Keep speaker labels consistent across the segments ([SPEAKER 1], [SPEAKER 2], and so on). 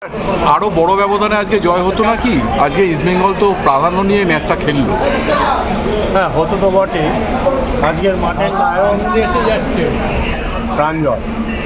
[SPEAKER 1] আরও বড় ব্যবধানে আজকে জয় হতো নাকি? আজকে ইস্টবেঙ্গল তো প্রাধান্য নিয়ে ম্যাচটা খেললো।
[SPEAKER 2] হ্যাঁ, হতো তো বটে। আজকের মাঠের নায়ক এসে যাচ্ছে প্রাঞ্জল।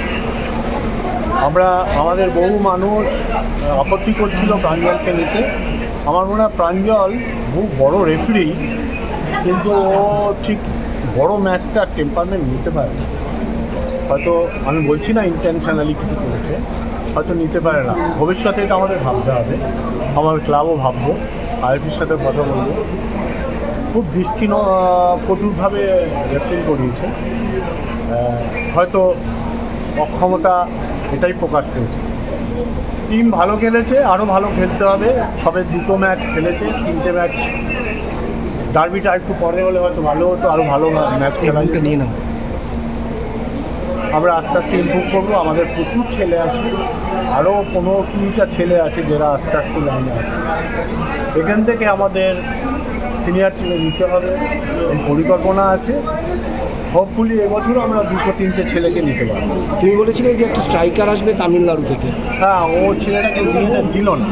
[SPEAKER 2] আমাদের বহু মানুষ আপত্তি করছিল প্রাঞ্জলকে নিতে। আমার মনে হয় প্রাঞ্জল বহু বড় রেফারি, কিন্তু ও ঠিক বড় ম্যাচটা টেম্পারমেন্ট নিতে পারে না। হয়তো আমি বলছি না ইন্টেনশনালি কিছু করেছে, হয়তো নিতে পারে না। ভবিষ্যতে এটা আমাদের ভাবতে হবে, আমার ক্লাবও ভাববো, আইএফির সাথে কথা বলবো। খুব কঠোরভাবে রেফারিং করিয়েছে, হয়তো অক্ষমতা এটাই প্রকাশ পেয়েছে। টিম ভালো খেলেছে, আরও ভালো খেলতে হবে। সবে 2টো ম্যাচ খেলেছে, 3টে ম্যাচ। ডার্বিটা একটু পরে হলে হয়তো ভালো হতো, আরও ভালো ম্যাচ খেলা নিয়ে নাও। আমরা আস্তে আস্তে ইমপ্রুভ করবো। আমাদের প্রচুর ছেলে আছে, আরও 15-20টা ছেলে আছে যারা আস্তে আস্তে লাইনে আছে। এখান থেকে আমাদের সিনিয়র টিমে নিতে হবে, এই পরিকল্পনা আছে। হোপফুলি এবছরও আমরা 2-3টে ছেলেকে নিতে পারবো।
[SPEAKER 3] তুমি বলেছিলে যে একটা স্ট্রাইকার আসবে তামিলনাড়ু থেকে।
[SPEAKER 2] হ্যাঁ, ও ছেলেটাকে দিল না,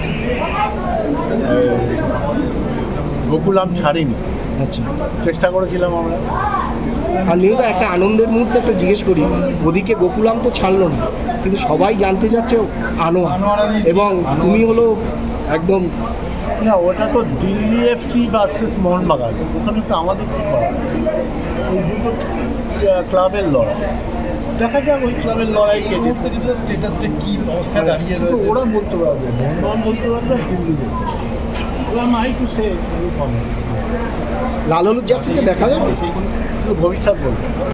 [SPEAKER 2] গোকুলাম ছাড়িনি।
[SPEAKER 3] আচ্ছা,
[SPEAKER 2] চেষ্টা করেছিলাম আমরা।
[SPEAKER 3] আর নিউদা একটা আনন্দের মুহূর্তে একটা জিজ্ঞেস করি, ওদিকে গোকুলাম তো ছাড়লো না, কিন্তু সবাই জানতে চাচ্ছে আনোয়ার, এবং তুমি হলো একদম।
[SPEAKER 2] না, ওটা তো দিল্লি এফসি ভার্সেস মোহনবাগান, ওখানে তো আমাদের কী করা, ওই দুটো ক্লাবের লড়াই। দেখা যাক ওই ক্লাবের লড়াই কে জেতে।
[SPEAKER 4] স্টেটাসটা কি অবস্থা দাঁড়িয়ে রয়েছে
[SPEAKER 2] ওরা বলতে পারবে, মোহনবাগান বলতে পারবে, দিল্লি বলতে পারবে। ওরা মাই টু সে
[SPEAKER 3] লাল হলুদ জার্সিতে দেখা যাবে
[SPEAKER 2] ভবিষ্যৎ বলবে।